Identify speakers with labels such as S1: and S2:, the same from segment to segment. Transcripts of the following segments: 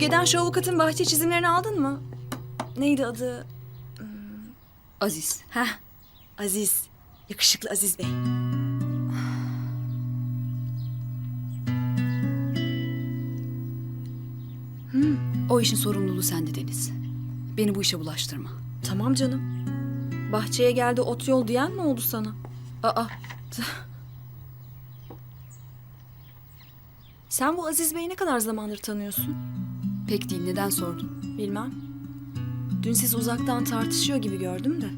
S1: Müge'den şu avukatın bahçe çizimlerini aldın mı? Neydi adı?
S2: Aziz.
S1: Heh, Aziz. Yakışıklı Aziz Bey.
S2: O işin sorumluluğu sende Deniz. Beni bu işe bulaştırma.
S1: Tamam canım. Bahçeye geldi ot yol diyen mi oldu sana? Aa. Sen bu Aziz Bey'i ne kadar zamandır tanıyorsun?
S2: Pek değil, neden sordun?
S1: Bilmem. Dün siz uzaktan tartışıyor gibi gördüm de.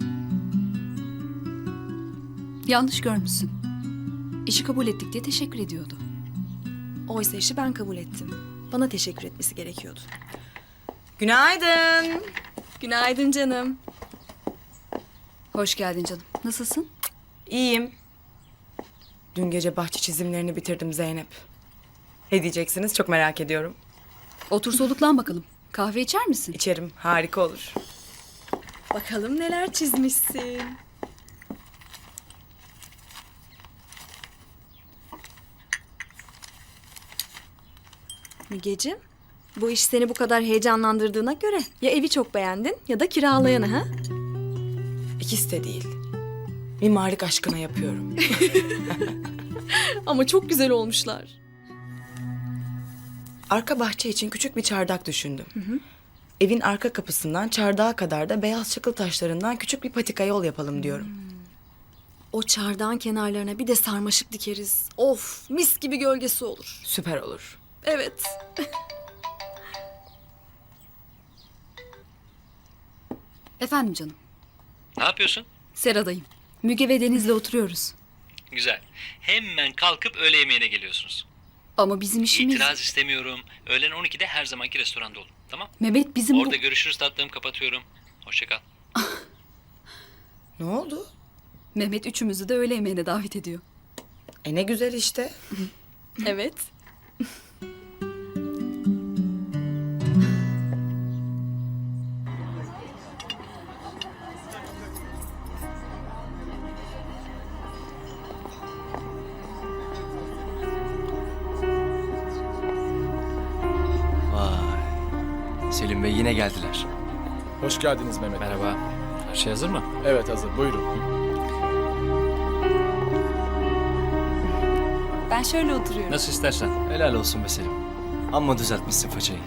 S2: Yanlış görmüşsün. İşi kabul ettik diye teşekkür ediyordu.
S1: Oysa işi ben kabul ettim. Bana teşekkür etmesi gerekiyordu. Günaydın. Günaydın canım.
S2: Hoş geldin canım. Nasılsın?
S3: İyiyim. Dün gece bahçe çizimlerini bitirdim Zeynep. Ne diyeceksiniz çok merak ediyorum.
S2: Otur soluklan bakalım. Kahve içer misin?
S3: İçerim, harika olur.
S1: Bakalım neler çizmişsin. Mügeciğim, bu iş seni bu kadar heyecanlandırdığına göre ya evi çok beğendin ya da kiralayanı ha?
S3: İkisi de değil. Mimarlık aşkına yapıyorum.
S1: Ama çok güzel olmuşlar.
S3: Arka bahçe için küçük bir çardak düşündüm. Evin arka kapısından çardağa kadar da beyaz çakıl taşlarından küçük bir patika yol yapalım diyorum.
S1: O çardağın kenarlarına bir de sarmaşık dikeriz. Of, mis gibi gölgesi olur.
S3: Süper olur.
S1: Evet.
S2: Efendim canım.
S4: Ne yapıyorsun?
S2: Sera'dayım. Müge ve Deniz'le oturuyoruz.
S4: Güzel. Hemen kalkıp öğle yemeğine geliyorsunuz.
S2: Ama bizim işimiz...
S4: İtiraz istemiyorum. Öğlen 12'de her zamanki restoranda olun. Tamam?
S2: Mehmet bizim
S4: Orada görüşürüz tatlım. Kapatıyorum. Hoşça kal.
S3: Ne oldu?
S2: Mehmet üçümüzü de öğle yemeğine davet ediyor.
S3: Ne güzel işte.
S1: Evet.
S5: Vay. Selim Bey yine geldiler.
S6: Hoş geldiniz Mehmet.
S5: Merhaba. Her şey hazır mı?
S6: Evet hazır buyurun.
S2: Ben şöyle oturuyorum.
S5: Nasıl istersen. Helal olsun be Selim. Amma düzeltmişsin façayı.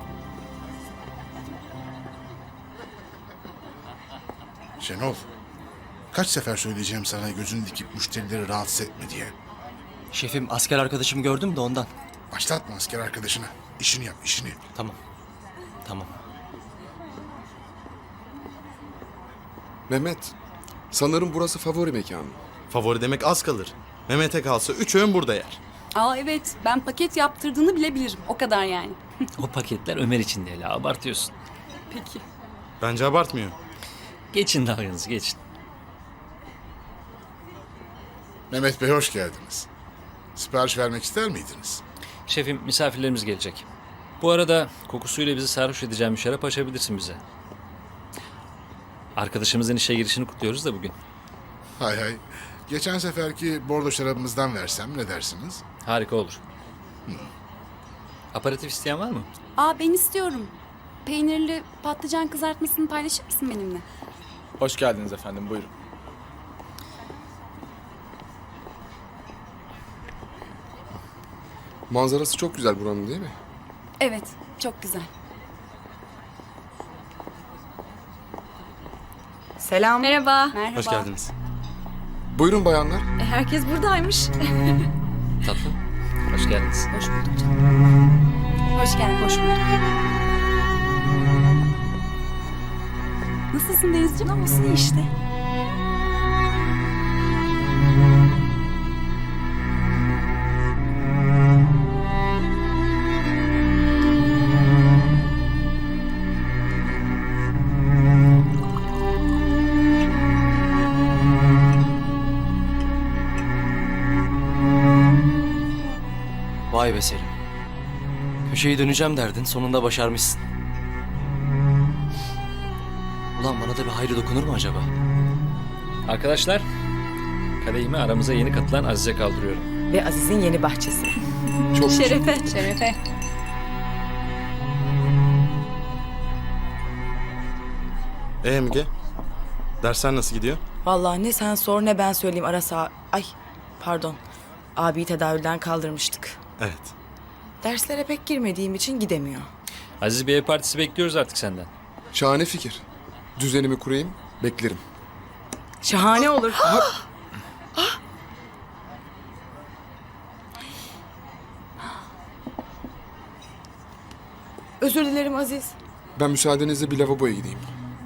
S7: Şenol, kaç sefer söyleyeceğim sana gözünü dikip müşterileri rahatsız etme diye.
S5: Şefim asker arkadaşımı gördüm de ondan.
S7: Başlatma asker arkadaşına. İşini yap, işini.
S5: Tamam. Tamam.
S8: Mehmet, sanırım burası favori mekanın.
S9: Favori demek az kalır. Mehmet'e kalsa 3 öğün burada yer.
S10: Aa evet, ben paket yaptırdığını bile bilirim. O kadar yani.
S4: O paketler Ömer için değil ha. Abartıyorsun.
S10: Peki.
S9: Bence abartmıyor.
S4: Geçin dalganızı geçin.
S7: Mehmet Bey hoş geldiniz. Sipariş vermek ister miydiniz?
S4: Şefim misafirlerimiz gelecek. Bu arada kokusuyla bizi sarhoş edeceğim bir şarap açabilirsin bize. Arkadaşımızın işe girişini kutluyoruz da bugün.
S7: Hay hay. Geçen seferki bordo şarabımızdan versem ne dersiniz?
S4: Harika olur. Aperatif isteyen var mı?
S10: Aa ben istiyorum. Peynirli patlıcan kızartmasını paylaşır mısın benimle?
S6: Hoş geldiniz efendim buyurun.
S8: Manzarası çok güzel buranın değil mi?
S10: Evet, çok güzel.
S3: Selam.
S1: Merhaba.
S10: Merhaba.
S9: Hoş geldiniz.
S8: Buyurun bayanlar.
S1: Herkes buradaymış.
S4: Tatlım. Hoş geldiniz.
S2: Hoş bulduk canım.
S10: Hoş geldin.
S2: Hoş bulduk.
S10: Nasılsın Denizciğim?
S1: Olsun iyi işte.
S5: Vay be Selim. Köşeyi döneceğim derdin, sonunda başarmışsın. Ulan bana da bir hayrı dokunur mu acaba?
S4: Arkadaşlar, kadehimi aramıza yeni katılan Aziz'e kaldırıyorum.
S3: Ve Aziz'in yeni bahçesi.
S8: Çok
S1: Şerefe.
S10: Şerefe.
S9: Müge? Dersler nasıl gidiyor?
S3: Vallahi ne sen sor ne ben söyleyeyim Ay pardon. Abiyi tedavülden kaldırmıştık.
S9: Evet.
S3: Derslere pek girmediğim için gidemiyor.
S4: Aziz bir ev partisi bekliyoruz artık senden.
S8: Şahane fikir. Düzenimi kurayım, beklerim.
S3: Şahane olur. Özür dilerim Aziz.
S8: Ben müsaadenizle bir lavaboya gideyim.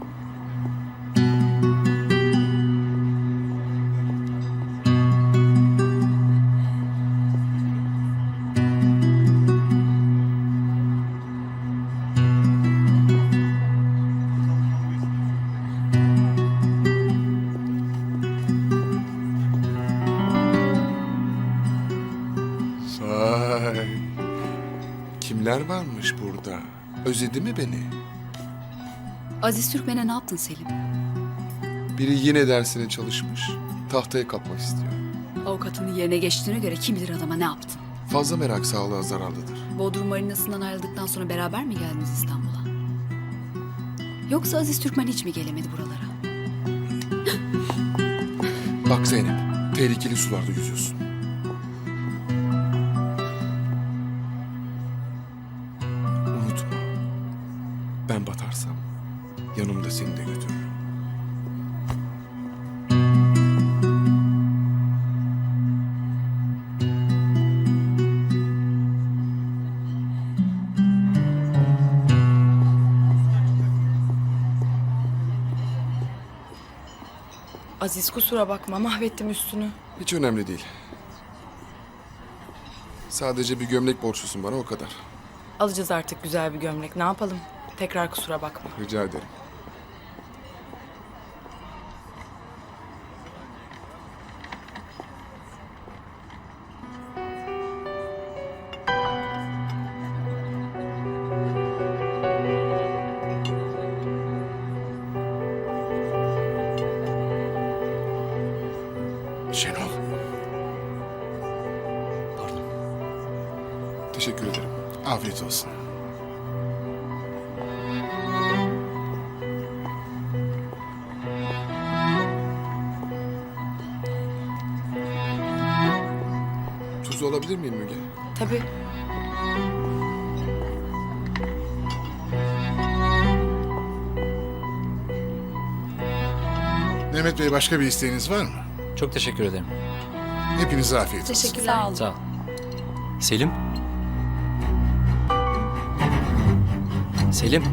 S8: Vay. Kimler varmış burada? Özledi mi beni?
S2: Aziz Türkmen'e ne yaptın Selim?
S8: Biri yine dersine çalışmış. Tahtaya kalkmak istiyor.
S2: Avukatının yerine geçtiğine göre kim bilir adama ne yaptın?
S8: Fazla merak sağlığa zararlıdır.
S2: Bodrum Marinası'ndan ayrıldıktan sonra beraber mi geldiniz İstanbul'a? Yoksa Aziz Türkmen hiç mi gelemedi buralara?
S8: Bak Zeynep, tehlikeli sularda yüzüyorsun. Unutma, ben batarsam yanımda seni de götürürüm.
S3: Aziz kusura bakma mahvettim üstünü.
S8: Hiç önemli değil. Sadece bir gömlek borçlusun bana, o kadar.
S3: Alacağız artık güzel bir gömlek. Ne yapalım? Tekrar kusura bakma.
S8: Rica ederim.
S7: Şenol,
S8: Teşekkür ederim.
S7: afiyet olsun.
S8: Tuz alabilir miyim Müge?
S3: Tabii.
S7: Mehmet Bey, başka bir isteğiniz var mı?
S4: Çok teşekkür ederim.
S7: Hepinize afiyet olsun.
S1: Teşekkürler.
S10: Sağ ol.
S4: Sağ ol.
S5: Selim? Selim?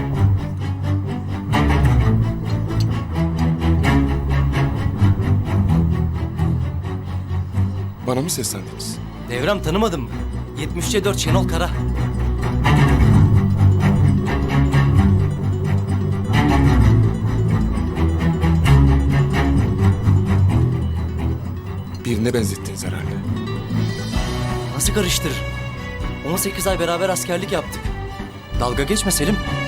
S8: Bana mı seslendiniz?
S5: Devrem tanımadın mı? 73'e 4 Şenol Kara.
S8: Birine benzettiniz herhalde.
S5: Nasıl karıştırır? 18 ay beraber askerlik yaptık. Dalga geçme Selim.